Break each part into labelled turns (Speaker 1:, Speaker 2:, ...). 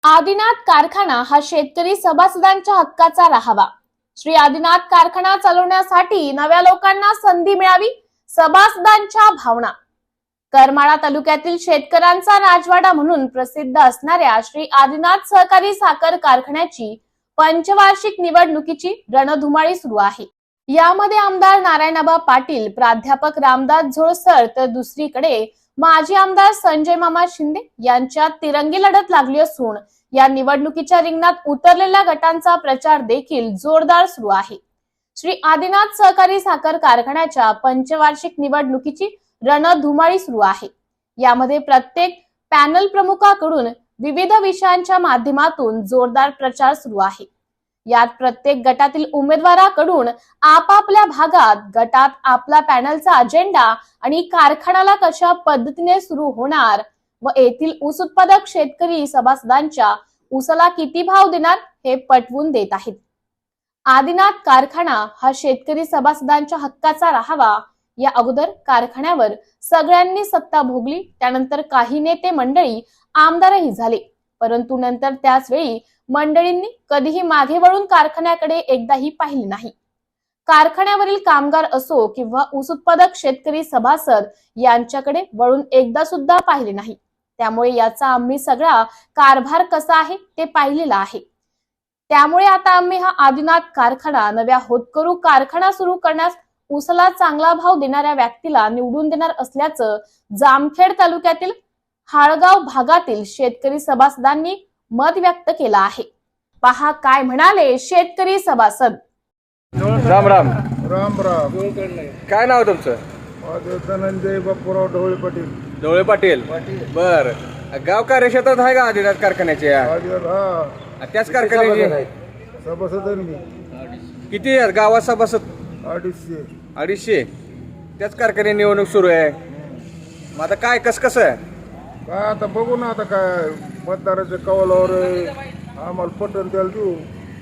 Speaker 1: आदिनाथ कारखाना हा शेतकरी सभासदांच्या हक्काचा राहावा। श्री आदिनाथ कारखाना चालवण्यासाठी नव्या लोकांना संधी मिळावी, सभासदांच्या भावना। करमाळा तालुक्यातील शेतकऱ्यांचा राजवाडा म्हणून प्रसिद्ध असणाऱ्या श्री आदिनाथ सहकारी साखर कारखान्याची पंचवार्षिक निवडणुकीची रणधुमाळी सुरू आहे। यामध्ये आमदार नारायणआबा पाटील, प्राध्यापक रामदास झोळसर तर दुसरीकडे माजी आमदार संजय मामा शिंदे यांच्यात तिरंगी लढत लागली असून या निवडणुकीच्या रिंगणात उतरलेल्या गटांचा प्रचार देखील जोरदार सुरू आहे। श्री आदिनाथ सहकारी साखर कारखान्याच्या पंचवार्षिक निवडणुकीची रणधुमाळी सुरू आहे। यामध्ये प्रत्येक पॅनल प्रमुखाकडून विविध विषयांच्या माध्यमातून जोरदार प्रचार सुरू आहे। यात प्रत्येक गटातील उमेदवाराकडून आपापल्या भागात गटात आपला पॅनलचा अजेंडा आणि कारखान्याला कशा पद्धतीने सुरू होणार व येथील ऊस उत्पादक शेतकरी सभासदांच्या ऊसाला किती भाव देणार हे पटवून देत आहेत। आदिनाथ कारखाना हा शेतकरी सभासदांच्या हक्काचा राहावा। या अगोदर कारखान्यावर सगळ्यांनी सत्ता भोगली, त्यानंतर काही नेते मंडळी आमदारही झाले, परंतु नंतर त्याच वेळी मंडळींनी कधीही मागे वळून कारखान्याकडे एकदाही पाहिले नाही। कारखान्यावरील कामगार असो किंवा ऊस उत्पादक शेतकरी सभासद यांच्याकडे वळून एकदा सुद्धा पाहिले नाही। त्यामुळे याचा आम्ही सगळा कारभार कसा आहे ते पाहिलेला आहे। त्यामुळे आता आम्ही हा आदिनाथ कारखाना नव्या होतकरू कारखाना सुरू करण्यास ऊसाला चांगला भाव देणाऱ्या व्यक्तीला निवडून देणार असल्याचं जामखेड तालुक्यातील हाळगाव भागातील शेतकरी सभासदांनी मत व्यक्त केलं आहे। पहा काय म्हणाले शेतकरी सभासद।
Speaker 2: राम राम
Speaker 3: राम राम।
Speaker 2: काय नाव तुमचं?
Speaker 3: धनंजय बापूराव ढवळे पाटील।
Speaker 2: ढवळे पाटील, बर। गाव कार्यक्षेत्रात आहे का आदिनाथ कारखान्याचे?
Speaker 3: हा,
Speaker 2: त्याच कारखान्याचे
Speaker 3: सभासद आहे मी।
Speaker 2: किती आहेत गावात सभासद?
Speaker 3: 250।
Speaker 2: 250। त्याच कारखान्याची निवडणूक सुरू आहे। मग आता काय कसं आहे?
Speaker 3: काय आता बघू ना, आता काय मतदाराच्या कौलावर आम्हाला पटन त्याला देऊ।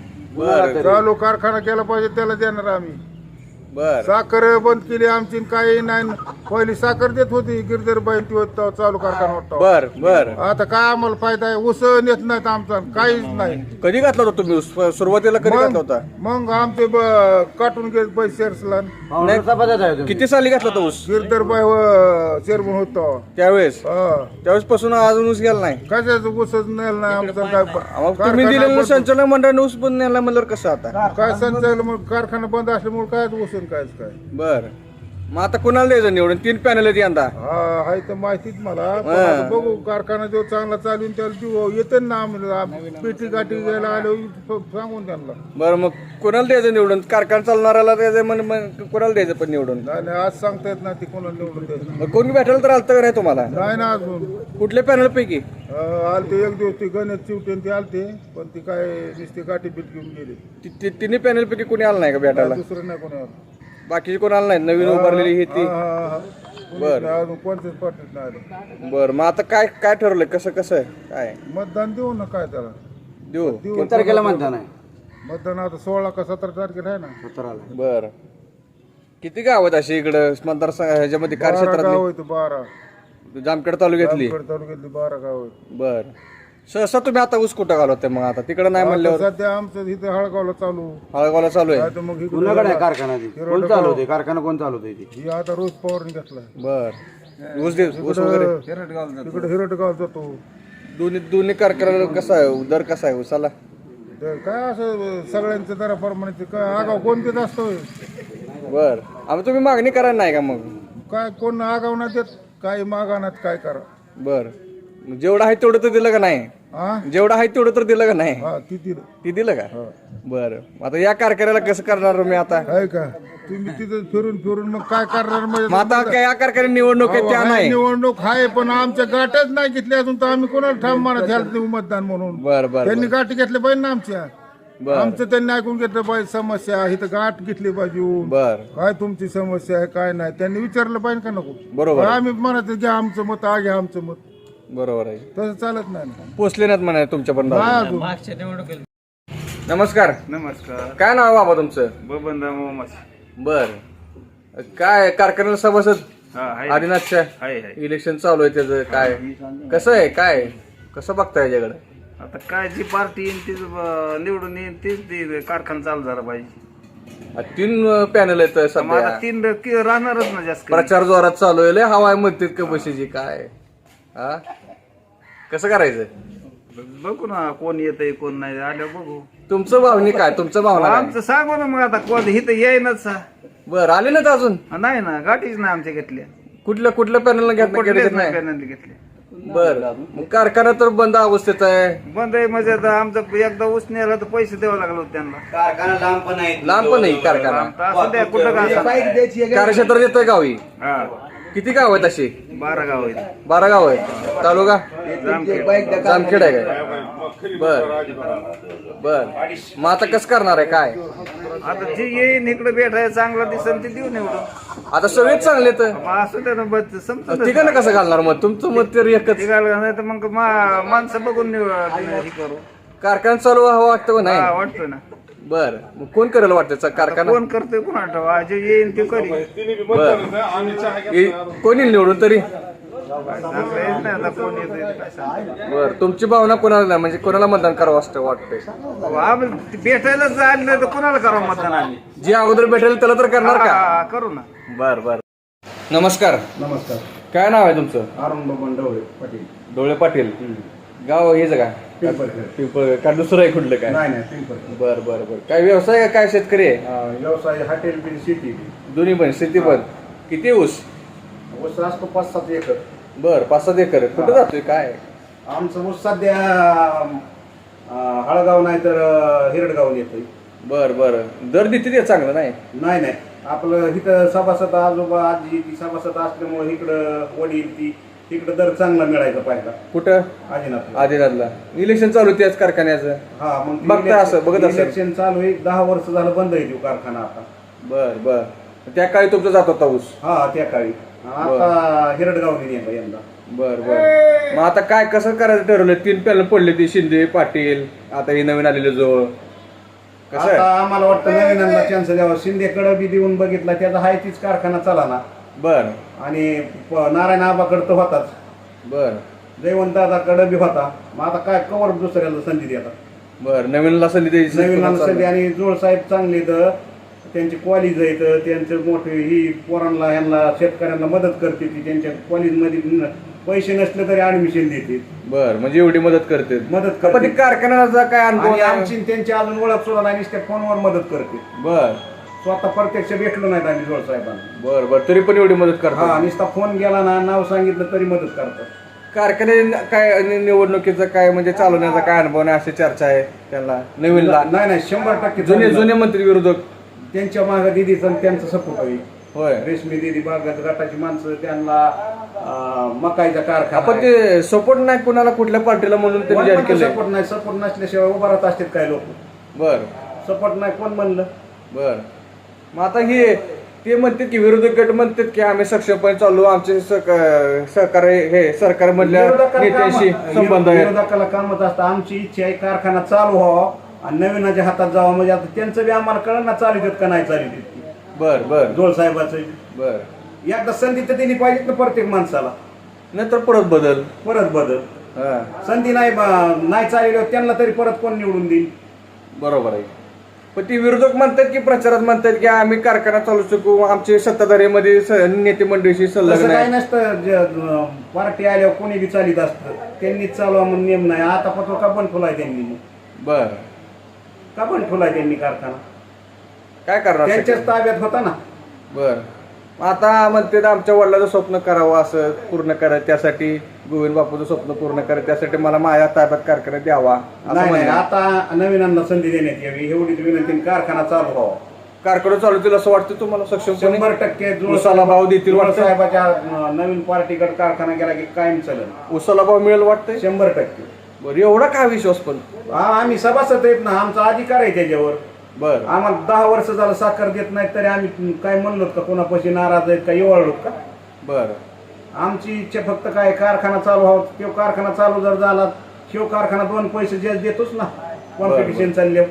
Speaker 2: बर
Speaker 3: चालू कारखाना केला पाहिजे त्याला देणार आम्ही।
Speaker 2: बर
Speaker 3: साखर बंद केली आमची, काही नाही। पहिली साखर देत होती गिरधरबाई, चालू कारखाना होता।
Speaker 2: बर बर
Speaker 3: आता काय आम्हाला फायदा आहे? ऊस नेत नाहीत आमचा, काहीच नाही।
Speaker 2: कधी घातला होता तुम्ही ऊस? सुरुवातीला कधी घातला होता?
Speaker 3: मग आमचे काटून गेले पैसे।
Speaker 2: किती साली घातला होता ऊस?
Speaker 3: गिरधरबाई चेअरमन होतो
Speaker 2: त्यावेळेस
Speaker 3: हा।
Speaker 2: त्यावेळेस पासून अजून ऊस गेला नाही?
Speaker 3: कशाच ऊसच नेल नाही आमचं।
Speaker 2: मग तुम्ही दिलेलं संचालक मंडळाने ऊस बंद नेला म्हणल्यावर कसं आता?
Speaker 3: काय संचालक मग कारखाना बंद असल्यामुळे काय ऊस काय काय।
Speaker 2: बर, मग आता कोणाला द्यायचं निवडून? 3 पॅनल आहेत यंदा।
Speaker 3: हा आहे तर माहितीच मला, पण आता बघू कारखाना जो चांगला चालून त्याला देऊ। येते ना आम्ही पेटी गाठी घ्यायला आलो सांगून त्यांना।
Speaker 2: बरं, मग कोणाला द्यायचं निवडून? कारखाना चालणाऱ्याला द्यायचं मग कोणाला द्यायचं पण निवडून?
Speaker 3: नाही आज सांगता येत नाही ती कोणाला निवडून द्यायचं।
Speaker 2: मग कोणी भेटायला तर आलतं का नाही तुम्हाला?
Speaker 3: नाही ना अजून।
Speaker 2: कुठल्या पॅनल पैकी?
Speaker 3: आलते एक दिवस ती गणेश चिवटेन ती आलते, पण ती काय नुसती गाठी बीट घेऊन गेली।
Speaker 2: तिन्ही पॅनल पैकी कोणी आलं नाही का भेटायला?
Speaker 3: दुसरं नाही कोणी आलं।
Speaker 2: बाकीची कोण आलं नाही? नवीन उभारलेली ही ती?
Speaker 3: बरं, अजून कोणत्याच पार्टीत नाही।
Speaker 2: बरं, मग आता काय काय ठरवलंय? कसं आहे काय?
Speaker 3: मतदान देऊ ना, काय त्याला
Speaker 2: देऊ?
Speaker 3: देऊ।
Speaker 4: तारखेला मतदान आहे?
Speaker 3: मतदान आता 16 का 17 तारखेला आहे ना।
Speaker 4: 17ला।
Speaker 2: बरं, किती गाव आहेत अशी इकडं मतदारसंघ ह्याच्यामध्ये
Speaker 3: 12
Speaker 2: कार्यक्षेत्रात?
Speaker 3: गाव आहेत। 12
Speaker 2: जामखेड तालुक्यातली?
Speaker 3: तालुक्यातली 12 गाव आहेत।
Speaker 2: बरं, सहसा तुम्ही आता ऊस कुठं घालवते मग? आता तिकडं नाही म्हणल्यावर?
Speaker 3: सध्या आमचं इथे हळगावला चालू।
Speaker 2: हळगावला चालू आहे?
Speaker 3: नाही तर मग
Speaker 4: कुणाकडे आहे कारखाना? कोण चालवते कारखाना? कोण चालवते?
Speaker 3: ही आता रोज पवारने घेतलाय।
Speaker 2: बर, ऊस वगैरे
Speaker 3: तिकडे हिरटगाव जातो।
Speaker 2: दोन्ही कारखान्याला कसा आहे दर? कसा आहे ऊसाला?
Speaker 3: तर काय असं सगळ्यांच्या दराप्रमाणे काय आगाव कोण देत असतो?
Speaker 2: बर, आम्ही तुम्ही मागणी करायला नाही का? मग
Speaker 3: काय कोण आगाव नाही देत, काही मागानात काय करा।
Speaker 2: बर, जेवढं आहे तेवढं तर दिलं का नाही?
Speaker 3: हा
Speaker 2: जेवढं आहे तेवढं तर दिलं का नाही?
Speaker 3: हा ती
Speaker 2: ती दिलं का? बरं, आता या कारखान्याला कसं करणार मी आता?
Speaker 3: आहे का तुम्ही तिथे फिरून मग काय करणार?
Speaker 2: मग आता काय या कारखान्यात निवडणूक आहे त्या नाही?
Speaker 3: निवडणूक आहे पण आमच्या गाठच नाही घेतली अजून, तर आम्ही कोणाला ठाम मानत घ्यायला देऊ मतदान म्हणून?
Speaker 2: बरं बरं
Speaker 3: त्यांनी गाठी घेतल्या पाहिजे ना आमच्या।
Speaker 2: बरं
Speaker 3: आमचं त्यांनी ऐकून घेतलं पाहिजे, समस्या आहे तर गाठ घेतली पाहिजे येऊन।
Speaker 2: बरं,
Speaker 3: काय तुमची समस्या आहे काय नाही त्यांनी विचारलं पाहिजे का नको?
Speaker 2: बरोबर आहे.
Speaker 3: आम्ही म्हणत घ्या आमचं मत, घ्या आमचं मत,
Speaker 2: बरोबर आहे.
Speaker 3: तसं चालत नाही ना।
Speaker 2: पोचले नाहीत म्हणा तुमच्यापर्यंत?
Speaker 3: नाही अजून।
Speaker 2: नमस्कार.
Speaker 5: नमस्कार.
Speaker 2: काय नाव बाबा तुमचं?
Speaker 5: बबन मोहम्मद.
Speaker 2: बर, काय कारखान्याला सभासद
Speaker 5: हाय
Speaker 2: आदिनाथच्या?
Speaker 5: हाय.
Speaker 2: इलेक्शन चालू आहे त्याचं काय कसं आहे? काय कसं बघताय याच्याकडे?
Speaker 5: आता काय जी पार्टी येईल तीच निवडून येईल तीच कारखाना चालू झाला पाहिजे.
Speaker 2: 3 पॅनल आहेत
Speaker 5: मग
Speaker 2: सध्या.
Speaker 5: आता 3 राहणारच ना जास्त करून.
Speaker 2: प्रचार जोरात चालू आहे. लय हवाय म्हणतात का बशीची काय हा कसं करायचं?
Speaker 5: बघू ना कोण येतंय कोण नाही आल्यावर बघू.
Speaker 2: तुमचं भावनी काय? तुमचं भावना काय?
Speaker 5: आमचं सांगू ना मग आता कोण इथं येईनच
Speaker 2: बरं आले ना अजून?
Speaker 5: नाही ना गाठीच नाही आमच्या घेतल्या
Speaker 2: कुठल्या पॅनलला
Speaker 5: कुठलेच नाही
Speaker 2: घेतलं?
Speaker 5: पॅनल घेतले.
Speaker 2: बर मग कारखाना तर बंद अवस्थेत आहे.
Speaker 5: बंद आहे म्हणजे आता आमचं एकदा ऊस नेला तर पैसे द्यावं लागलं होतं त्यांना.
Speaker 4: कारखाना लांब पण आहे.
Speaker 2: लांब पण नाही कारखाना.
Speaker 5: आता असं द्या कुठं का असं.
Speaker 2: कार्यक्षेत्रात येतोय गावी.
Speaker 5: हा
Speaker 2: किती गाव आहेत अशी?
Speaker 5: 12 गाव आहेत.
Speaker 2: 12 गाव आहेत. तालुका जामखेड आहे काय? बर मग आता कसं करणार आहे काय?
Speaker 5: आता जे येईन इकडे भेटायला चांगला दिसन ते देऊ निवडून.
Speaker 2: आता सगळेच चांगले तर
Speaker 5: असं त्या समजून
Speaker 2: ठिकाण कसं घालणार मग? तुमचं मत तर एकच.
Speaker 5: नाही तर मग माणसं बघून हे करू.
Speaker 2: कारखाना चालू व्हावं वाटतं का
Speaker 5: हा,
Speaker 2: नाही?
Speaker 5: वाटतं ना.
Speaker 2: बर मग कोण करेल वाटतं कारखाना?
Speaker 5: कोण करतोय कोण ठेवा जे येईन ते करी.
Speaker 2: कोणी निवडून तरी?
Speaker 5: चांगलं येत नाही आता कोण येतंय ते काय सांगता.
Speaker 2: बर तुमची भावना कोणाला नाही म्हणजे कोणाला मतदान करावं असं वाटतंय?
Speaker 5: आम्ही भेटायला जायला नाही तर कोणाला करावं मतदान आम्ही.
Speaker 2: जे अगोदर भेटेल त्याला तर करणार का?
Speaker 5: हा, करू ना.
Speaker 2: बर बर नमस्कार.
Speaker 3: नमस्कार.
Speaker 2: काय नाव आहे तुमचं?
Speaker 3: अरुण बबन डवळे पाटील.
Speaker 2: डोळे पाटील. गाव हेच का?
Speaker 3: पिंपळखेड.
Speaker 2: पिंपळ का दुसरं आहे कुठलं काय?
Speaker 3: नाही पिंपळखेड.
Speaker 2: बर बर बर काय व्यवसाय आहे काय शेतकरी आहे?
Speaker 3: व्यवसाय हॉटेल बिल शेती
Speaker 2: दोन्ही पण शेती पण. किती ऊस?
Speaker 3: ऊस असतो 5-7 एकर.
Speaker 2: बर 5-7 एकर. कुठं जातोय काय?
Speaker 3: आमचं ऊस सध्या हळगाव नाही तर हिरडगाव येतोय.
Speaker 2: बर बर दर देते ते चांगलं नाही?
Speaker 3: नाही आपलं इथं सभासद आजोबा आजी ती सभासद असल्यामुळे इकडं वडील ती तिकडं दर चांगला मिळायचा पाहिजे.
Speaker 2: कुठं?
Speaker 3: आदिनाथ.
Speaker 2: आदिनाथला इलेक्शन चालू त्याच कारखान्याचं.
Speaker 3: हा मग
Speaker 2: बघता असं बघत असं.
Speaker 3: इलेक्शन चालू आहे 10 वर्ष झालं बंद आहे तो कारखाना आता.
Speaker 2: बर बर त्या काळी तुमचा जात होता ऊस?
Speaker 3: हा त्या काळी. आता हिरडगावने नेला यंदा.
Speaker 2: बर बर मग आता काय कसं करायचं ठरवलं? 3 पॅनल पडले ती शिंदे पाटील आता हे नवीन आलेले जवळ कसं
Speaker 3: आता
Speaker 2: आहे?
Speaker 3: आम्हाला वाटतं नवीनांना चान्स द्यावा. शिंदेकडे बी देऊन बघितला त्याचा हाय तीच कारखाना चला ना.
Speaker 2: बर
Speaker 3: आणि नारायण आबाकडे तर होताच.
Speaker 2: बर
Speaker 3: जयवंत दादाकडे बी होता. मग आता काय कवर दुसऱ्याला संधी देतात.
Speaker 2: बर नवीनला संधी द्यायची.
Speaker 3: नवीन संधी आणि जोड साहेब चांगले तर त्यांची कॉलेज आहेत त्यांचं मोठे ही पोरांना ह्यांना शेतकऱ्यांना मदत करते ती. त्यांच्या कॉलेजमध्ये पैसे नसले तरी ऍडमिशन देते.
Speaker 2: बर म्हणजे एवढी मदत करते.
Speaker 3: मदत
Speaker 2: पण
Speaker 3: करते.
Speaker 2: ते कारखान्याचा काय अनुभव
Speaker 3: आणि
Speaker 2: नाही?
Speaker 3: आमची त्यांची अजून ओळख सुद्धा नाही नुसत्या फोनवर मदत करते.
Speaker 2: बर
Speaker 3: स्वतः प्रत्यक्ष भेटलो नाहीत आम्ही जोड साहेबांना.
Speaker 2: बर बर तरी पण एवढी मदत
Speaker 3: हा
Speaker 2: करतात.
Speaker 3: नुसता फोन गेला ना नाव सांगितलं तरी मदत करतात.
Speaker 2: कारखाने काय निवडणुकीचा काय म्हणजे चालवण्याचा काय अनुभव नाही अशी चर्चा आहे त्यांना नवीनला?
Speaker 3: नाही 100%
Speaker 2: जुने जुने मंत्री विरोधक
Speaker 3: त्यांच्या मागे दिदीचा त्यांचा सपोर्ट आहे.
Speaker 2: होय.
Speaker 3: रेशमी दिदी बागात गटाची माणसं त्यांना मकाईचा कारखाना
Speaker 2: आपण ते सपोर्ट नाही कुणाला कुठल्या पार्टीला म्हणून त्यांनी जाहीर केलं?
Speaker 3: सपोर्ट नाही. सपोर्ट नसल्याशिवाय उभा राहत असतात काय लोक.
Speaker 2: बर
Speaker 3: सपोर्ट नाही कोण म्हणलं.
Speaker 2: बर मग आता हे ते म्हणतात की विरोधक गट म्हणतात की आम्ही सक्षमपणे चालू आमचे सहकार हे सरकार मधल्या नेत्यांशी संबंध आहे.
Speaker 3: विरोधकाला कामच असतं. आमची इच्छा आहे कारखाना चालू व्हावा आणि नवीनाच्या हातात जावा. म्हणजे आता त्यांचं बी आम्हाला कळलं ना चालू देत का नाही चालू देत.
Speaker 2: बर बर
Speaker 3: जोड साहेबाचं
Speaker 2: बर
Speaker 3: एकदा संधी तर त्यांनी पाहिजेत ना प्रत्येक माणसाला.
Speaker 2: नंतर परत बदल.
Speaker 3: परत बदल.
Speaker 2: हा
Speaker 3: संधी नाही चालली त्यांना तरी परत कोण निवडून देईल.
Speaker 2: बरोबर आहे. पण ती विरोधक म्हणतात की प्रचारात म्हणतात की आम्ही कारखाना चालू शकू आमचे सत्ताधारीमध्ये नेते मंडळीशी
Speaker 3: तसं
Speaker 2: संलग्न
Speaker 3: काय
Speaker 2: आहे.
Speaker 3: नसतं. पार्टी आल्यावर कोणी बी चालित असतं. त्यांनीच चालवा म्हणून नियम नाही. आता पत्र का बंद ठेवलाय त्यांनी.
Speaker 2: बर
Speaker 3: का बंद ठेवलाय त्यांनी कारखाना?
Speaker 2: काय करणार?
Speaker 3: त्यांच्याच ताब्यात होता ना.
Speaker 2: बर आता म्हणते आमच्या वडिलाचं स्वप्न करावं असं पूर्ण करायचं त्यासाठी गोविंद बापूचं स्वप्न पूर्ण करायचं त्यासाठी मला माझ्या ताब्यात कारखाना द्यावा असं
Speaker 3: नाही
Speaker 2: म्हणणं.
Speaker 3: आता नवीनांना संधी देण्यात यावी एवढीच विनंती. कारखाना चालू व्हावा.
Speaker 2: कारखाना चालू होतील असं वाटतं तुम्हाला? सक्षमपणे
Speaker 3: 100%
Speaker 2: उसाला भाव देतील वाटतं?
Speaker 3: साहेबाच्या नवीन पार्टीकडे कारखाना गेला की कायम चालेल.
Speaker 2: उसाला भाव मिळेल वाटतंय?
Speaker 3: 100%.
Speaker 2: बरं एवढा काय विश्वास? पण
Speaker 3: आम्ही सभासद आहेत ना. आमचा अधिकार आहे त्याच्यावर.
Speaker 2: बर
Speaker 3: आम्हाला 10 वर्ष झालं साखर देत नाहीत तरी आम्ही काय म्हणलो का कोणापाशी नाराज आहेत का एवढलो का?
Speaker 2: बर
Speaker 3: आमची इच्छा फक्त काय कारखाना चालू व्हावा. तो कारखाना चालू जर झाला शिव कारखाना 2 पैसे जास्त देतोच ना. कॉम्पिटिशन चालले.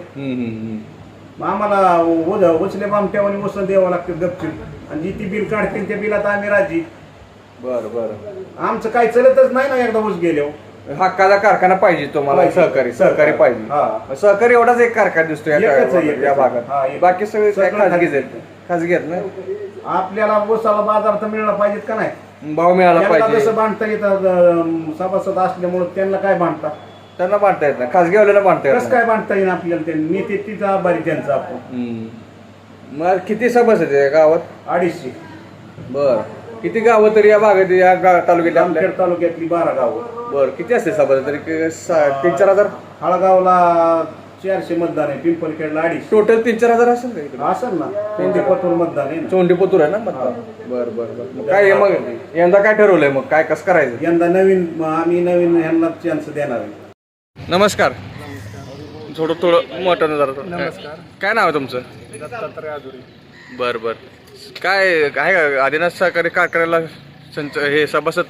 Speaker 3: मग आम्हाला उचले बामट्यावानी उसण द्यावं लागतं गपचून. आणि जी ती बिल काढतील त्या बिलात आम्ही राजी.
Speaker 2: बर बर
Speaker 3: आमचं काय चलतच नाही ना एकदा ऊस गेल्यावर.
Speaker 2: हक्काचा कारखाना पाहिजे तुम्हाला,
Speaker 3: पाहिजे.
Speaker 2: सहकारी पाहिजे.
Speaker 3: हा.
Speaker 2: सहकारी एवढाच एक कारखाना दिसतो
Speaker 3: एकच आहे,
Speaker 2: या
Speaker 3: एकच आहे.
Speaker 2: भागात.
Speaker 3: हा, एक.
Speaker 2: बाकी सगळे काय
Speaker 3: सगळं
Speaker 2: खाजगीच आहेत. खाजगी आहेत ना.
Speaker 3: आपल्याला ऊसाला बाजार तर मिळाला पाहिजेत का नाही?
Speaker 2: भाव मिळाला
Speaker 3: त्यांना
Speaker 2: पाहिजे.
Speaker 3: जसं बांधता येतं सभासद असल्यामुळे त्यांना काय बांधता,
Speaker 2: त्यांना बांधता येत नाही, खाजगीवाल्याला बांधता येत
Speaker 3: कसं
Speaker 2: नाही.
Speaker 3: काय बांधता येईल आपल्याला? त्यांनी नेते तिथं आभारी त्यांचं आपण.
Speaker 2: मग किती सभासद आहे गावात?
Speaker 3: 250.
Speaker 2: बर, किती गावं तरी या भागात या तालुक्यात आपल्या?
Speaker 3: जामखेड तालुक्यातली 12 गावं.
Speaker 2: बर, किती असते सभासद तरी? 3-4 हजार
Speaker 3: हळगावला 400 मतदान आहे, पिंपलखेडला 250.
Speaker 2: टोटल 3-4 हजार असेल का इकडे?
Speaker 3: असेल ना, कोणते मतदान आहे ना.
Speaker 2: चोंडीपुतूर आहे ना मतदान. बर बर बर. मग काय आहे मग यंदा काय ठरवलंय मग? काय कसं करायचं?
Speaker 3: यंदा आम्ही नवीन ह्यांना चान्स देणार आहे.
Speaker 2: नमस्कार. थोडं मोठं जरा.
Speaker 6: नमस्कार.
Speaker 2: काय नाव आहे तुमचं?
Speaker 6: दत्तात्रय आजुरी.
Speaker 2: बर बर. काय आहे का आदिनाथ सहकारी कारखान्याला हे सभासद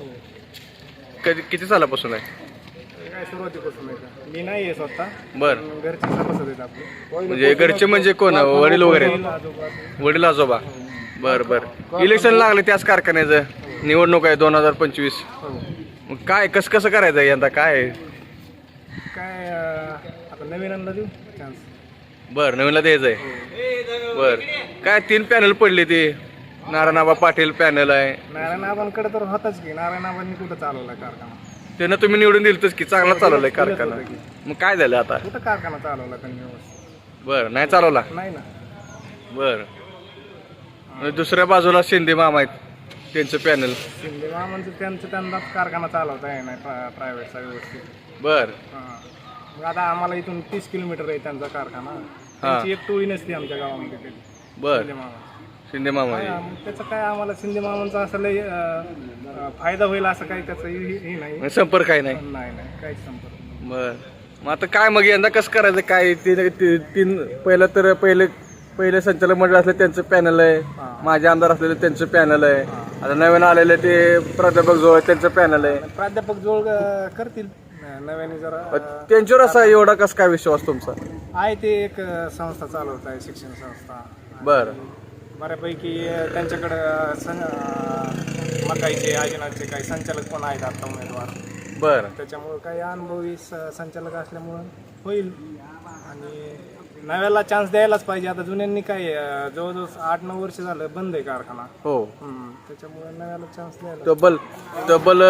Speaker 2: किती सालापासून आहे?
Speaker 6: काय सुरुवातीपासून आहे का? मी नाही आहे स्वतः,
Speaker 2: बर.
Speaker 6: घरचे सभासद आहेत आपले.
Speaker 2: म्हणजे घरचे म्हणजे कोण? वडील वगैरे आहेत? वडील आजोबा. बर बर. इलेक्शन लागले त्याच कारखान्याचं, निवडणूक आहे 2025. मग काय कसं करायचं यंदा? काय
Speaker 6: काय आता नवीनांना देऊ चान्स.
Speaker 2: बर, नवीनला द्यायचंय. बर. काय 3 पॅनल पडले ते? नारायणआबा पाटील पॅनल आहे.
Speaker 6: नारायण आबांकडे तर होताच की, नारायण आबांनी कुठं चालवलाय कारखाना?
Speaker 2: त्यांना तुम्ही निवडून दिलतच की चांगला चालवलाय कारखाना. मग काय झालं आता?
Speaker 6: कुठं कारखाना चालवला त्यांनी व्यवस्थित?
Speaker 2: बर, नाही चालवला.
Speaker 6: नाही ना.
Speaker 2: बर. आणि दुसऱ्या बाजूला शिंदे मामा आहेत, त्यांचं पॅनल.
Speaker 6: शिंदे मामांचं त्यांनाच कारखाना चालवता आहे नाही प्रायव्हेटचा व्यवस्थित.
Speaker 2: बर.
Speaker 6: हां. मग आता आम्हाला इथून 30 किलोमीटर आहे त्यांचा कारखाना. त्यांची एक टोळी नसते आमच्या गावामध्ये कधी.
Speaker 2: बर.
Speaker 6: शिंदे मामा.
Speaker 2: शिंदे मामा आहे.
Speaker 6: मग त्याचं काय आम्हाला शिंदे मामांचा असं लय फायदा होईल असं काही त्याचं हे नाही.
Speaker 2: संपर्क आहे नाही.
Speaker 6: नाही काहीच संपर्क.
Speaker 2: बर. मग आता काय मग यंदा कसं करायचं? काय तीन पहिले संचालक मंडळ असले त्यांचं पॅनल आहे, माझे आमदार असलेले त्यांचं पॅनल आहे, आता नवीन आलेले ते प्राध्यापक जोळ त्यांचं पॅनल आहे.
Speaker 6: प्राध्यापक जोळ करतील नव्याने जरा.
Speaker 2: त्यांच्यावर असा एवढा कसं काय विश्वास तुमचा?
Speaker 6: आहे ते एक संस्था चालवत आहे, शिक्षण संस्था.
Speaker 2: बर.
Speaker 6: बऱ्यापैकी त्यांच्याकडं मकाईचे आजीनाथचे काही संचालक पण आहेत आता उमेदवार.
Speaker 2: बर.
Speaker 6: त्याच्यामुळं काही अनुभवी संचालक असल्यामुळं होईल. आणि नव्याला चान्स द्यायलाच पाहिजे. आता जुन्यांनी काय जवळजवळ 8-9 वर्ष झालं बंद आहे कारखाना.
Speaker 2: हो.
Speaker 6: त्याच्यामुळे नव्याला चान्स द्यायला.
Speaker 2: तब्बल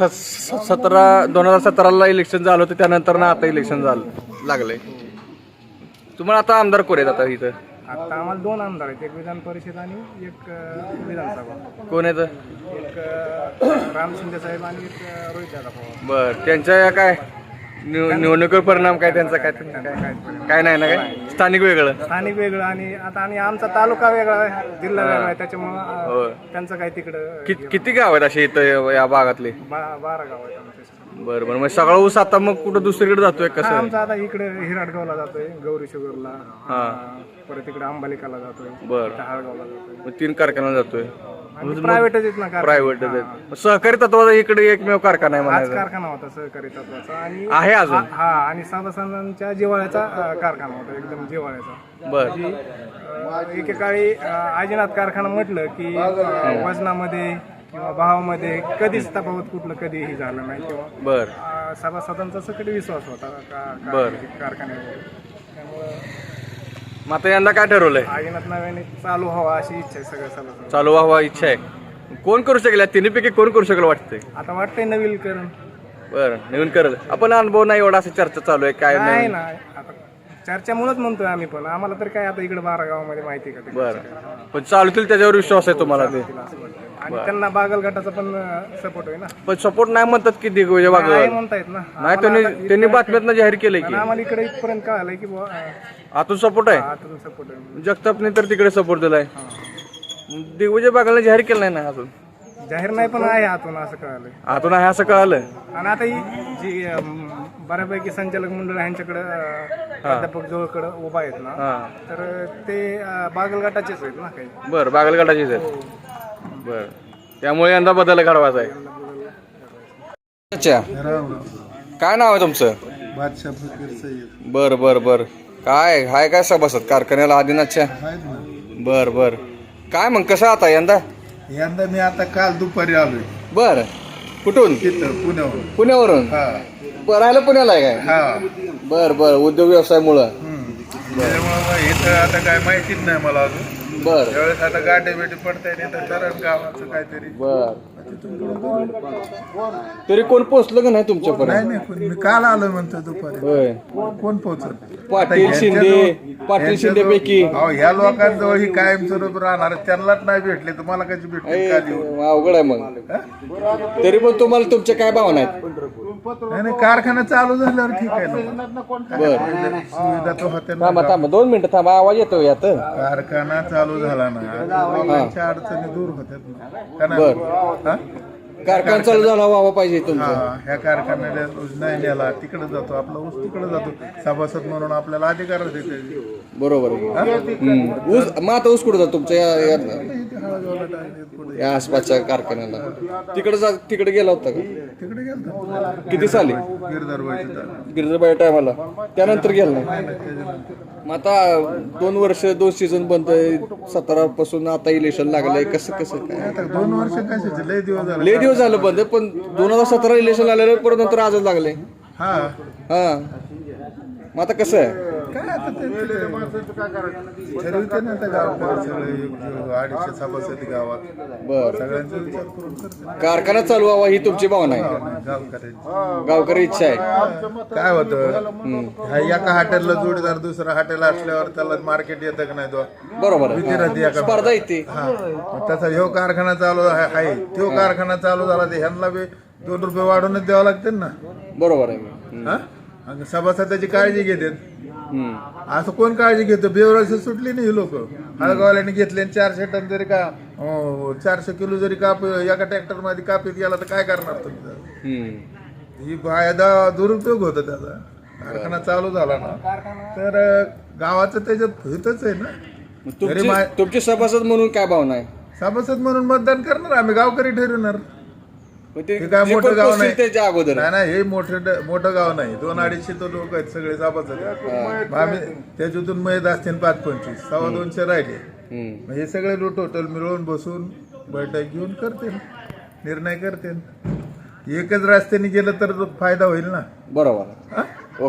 Speaker 2: 2017ला इलेक्शन झालं होतं, त्यानंतर ना आता इलेक्शन झालं लागलंय. तुम्हाला आता आमदार कोण आहेत आता इथं?
Speaker 6: आता आम्हाला 2 आमदार आहेत, एक विधान परिषद आणि एक विधानसभा.
Speaker 2: कोण आहेत?
Speaker 6: एक राम शिंदे साहेब आणि एक रोहित दादा पवार.
Speaker 2: बर. त्यांच्या काय निवडणुकीवर परिणाम काय त्यांचा? काय नाही ना? काय स्थानिक वेगळं,
Speaker 6: स्थानिक वेगळं आणि आमचा तालुका वेगळा आहे, जिल्हा वेगळा आहे. त्याच्यामुळं त्यांचं काय तिकडं
Speaker 2: किती गाव आहेत असे इथं या भागातले?
Speaker 6: 12 गाव आहेत आमच्या.
Speaker 2: बरं बरं. मग सगळा ऊस आता मग कुठं दुसरीकडे जातोय कसं?
Speaker 6: आमचा आता इकडे हिराडगावला जातोय, गौरी शुगरला.
Speaker 2: हा.
Speaker 6: परत इकडे अंबालिकाला जातोय,
Speaker 2: बरं.
Speaker 6: हाळगावला जातोय.
Speaker 2: मग 3 कारखान्याला जातोय.
Speaker 6: प्रायव्हेटच आहेत ना.
Speaker 2: प्रायव्हेट सहकारी तत्वाचा इकडे एकमेव कारखाना आहे
Speaker 6: हाच
Speaker 2: म्हणायचं.
Speaker 6: कारखाना होता सहकारी तत्वाचा आणि
Speaker 2: आहे अजून?
Speaker 6: हा. आणि सभासदांच्या जिव्हाळ्याचा कारखाना होता, एकदम जिव्हाळ्याचा.
Speaker 2: बर.
Speaker 6: एकेकाळी आजीनाथ कारखाना म्हटलं की वजनामध्ये किंवा भावामध्ये कधीच तफावत कुठलं कधीही झालं नाही. किंवा
Speaker 2: बर.
Speaker 6: सभासदांचा सकट विश्वास होता
Speaker 2: बरं.
Speaker 6: कारखान्यावर. त्यामुळं
Speaker 2: मग आता यंदा काय ठरवलंय?
Speaker 6: आजीनाथ नव्याने चालू व्हावा अशी इच्छा आहे सगळ्या सभासद.
Speaker 2: चालू व्हावा इच्छा आहे. कोण करू शकेल? तिन्हीपैकी कोण करू शकेल वाटतंय?
Speaker 6: आता वाटतंय नवीकरण.
Speaker 2: बरं, नवीन करेल. आपण अनुभव नाही एवढा, असं चर्चा चालू आहे काय
Speaker 6: नाही
Speaker 2: नाही.
Speaker 6: ना, आता चर्चेमुळेच म्हणतोय आम्ही पण. आम्हाला तर काय आता इकडे 12 गावामध्ये माहिती का ते.
Speaker 2: बरं. पण चालतील त्याच्यावर विश्वास आहे तुम्हाला ते?
Speaker 6: आणि त्यांना बागल गटाचा पण सपोर्ट होईल ना.
Speaker 2: पण सपोर्ट नाही म्हणतात की दिग्विजय
Speaker 6: नाही
Speaker 2: बागल
Speaker 6: म्हणतायत ना.
Speaker 2: नाही. त्यांनी बातम्यातनं जाहीर केलंय की
Speaker 6: आम्हाला इकडे इथपर्यंत कळालंय की
Speaker 2: आतून सपोर्ट आहे.
Speaker 6: आतून सपोर्ट आहे.
Speaker 2: जगतापने तर तिकडे सपोर्ट दिलाय. दिग्विजय बागलने जाहीर केलं नाही ना अजून?
Speaker 6: जाहीर नाही पण आहे आतून असं कळालंय.
Speaker 2: आतून आहे असं कळालं.
Speaker 6: आणि आता ही जी बऱ्यापैकी संचालक मंडळ यांच्याकडे प्राध्यापक जवळकडे उभा आहेत ना, तर ते बागल गटाचेच आहेत ना काही.
Speaker 2: बरं, बागल गटाचीच आहेत. बरं. त्यामुळे यंदा बदल घडवायचा आहे. अच्छा, काय नाव आहे तुमचं?
Speaker 7: बादशाह फकीर सय्यद.
Speaker 2: बर बर बर. काय हाय काय सभासद कारखान्याला आदिनाथच्या? बर बर. काय मग कसं आता यंदा?
Speaker 7: यंदा मी आता काल दुपारी आलोय.
Speaker 2: बर. कुठून?
Speaker 7: तिथं पुण्याहून.
Speaker 2: पुण्यावरून.
Speaker 7: हा
Speaker 2: राहायला पुण्याला आहे काय?
Speaker 7: हा
Speaker 2: बर बर, उद्योग व्यवसायामुळं.
Speaker 7: त्याच्यामुळे मग इथं आता काय माहितीच नाही मला अजून.
Speaker 2: बर
Speaker 7: त्यावेळेस आता गाठी बेटी पडताय नाही तर चरण गावाचं काहीतरी.
Speaker 2: बर. तरी कोण पोचलं का नाही तुमच्यापर्यंत?
Speaker 7: नाही मी काल आलो म्हणतो दुपारी.
Speaker 2: होय.
Speaker 7: कोण पोहोचत?
Speaker 2: पाटील शिंदे पैकी.
Speaker 7: ह्या लोकांजवळ ही कायमस्वरूप राहणार, त्यांनाच नाही भेटले तर मला कशी भेटले? का देऊ?
Speaker 2: अवघड आहे मग. तरी पण तुम्हाला तुमच्या काय भावना आहेत?
Speaker 7: नाही कारखाना चालू झाल्यावर ठीक आहे ना.
Speaker 2: बर.
Speaker 7: सुविधा तो होत्या ना.
Speaker 2: थांबा 2 मिनिटं थांबा, आवाज येतो यात.
Speaker 7: कारखाना चालू झाला ना, लोकांच्या अडचणी दूर होत्यात ना. का नाही?
Speaker 2: बर.
Speaker 7: हा?
Speaker 2: कारखाना चालू झाला व्हावा पाहिजे तुमचं.
Speaker 7: हा, ह्या कारखान्याला नाही नेला तिकडे जातो, आपला ऊस तिकडे जातो, सभासद म्हणून आपल्याला अधिकार देते.
Speaker 2: बरोबर आहे. ऊस मग आता ऊस कुठं जातो तुमच्या या आसपासच्या कारखान्याला? तिकडे गेला होता का?
Speaker 7: तिकडे गेलतो
Speaker 2: किती साली? गिरजाबाई टायमाला. त्यानंतर गेला नाही. मग आता 2 वर्ष 2 सीझन बंद आहे. 17 पासून आता इलेक्शन लागलंय. कसं काय?
Speaker 7: आता 2 वर्ष कशाचे लय दिवस झाले.
Speaker 2: लय दिवस झालं बंद, पण 2017 इलेक्शन आलेलं परत नंतर आजच लागले.
Speaker 7: हा
Speaker 2: हा, मग आता कसं आहे?
Speaker 7: काय आता ठरवते ना आता गावकरी सगळे 250 सभासद गावात.
Speaker 2: बर.
Speaker 7: सगळ्यांचा विचार करून करते
Speaker 2: कारखाना चालू व्हावा ही तुमची भावना आहे.
Speaker 7: गावकऱ्यांची.
Speaker 2: गावकरी इच्छा आहे.
Speaker 7: काय होतं, एका हॉटेलला जोडीदार दुसरा हॉटेल असल्यावर त्याला मार्केट येतं का नाही तो?
Speaker 2: बरोबर आहे.
Speaker 7: विचारायची एका
Speaker 2: स्पर्धा येते.
Speaker 7: हा, मग तसा ह्यो कारखाना चालू आहे, तो कारखाना चालू झाला तर ह्यांना बी 2 रुपये वाढवूनच द्यावं लागते ना.
Speaker 2: बरोबर आहे.
Speaker 7: हा? आणि सभासदाची काळजी घेतात.
Speaker 2: हम्म.
Speaker 7: असं कोण काळजी घेतो? बेवराशी सुटली नाही ही लोक. हळगावल्याने घेतले 400 टन जरी का 400 किलो जरी काप एका ट्रॅक्टर मध्ये कापीत गेला तर काय करणार तुम्ही? ही फायदा दुरुपयोग होतो त्याचा. कारखाना चालू झाला ना तर गावाचं त्याच्यात हितच आहे ना.
Speaker 2: तुमचे सभासद म्हणून काय भावना आहे?
Speaker 7: सभासद म्हणून मतदान करणार आम्ही, गावकरी ठरवणार.
Speaker 2: ते
Speaker 7: हे काय मोठं गाव नाही.
Speaker 2: त्याच्या अगोदर
Speaker 7: नाही हे मोठं गाव नाही. 200-250 तो लोक आहेत सगळे सभासद. आम्ही त्याच्यातून मैद असतील 5-25, 250 राहिले. हे सगळे टोटल मिळवून बसून बैठक घेऊन करते, निर्णय करते. एकच रस्त्याने गेलं तर फायदा होईल ना.
Speaker 2: बरोबर.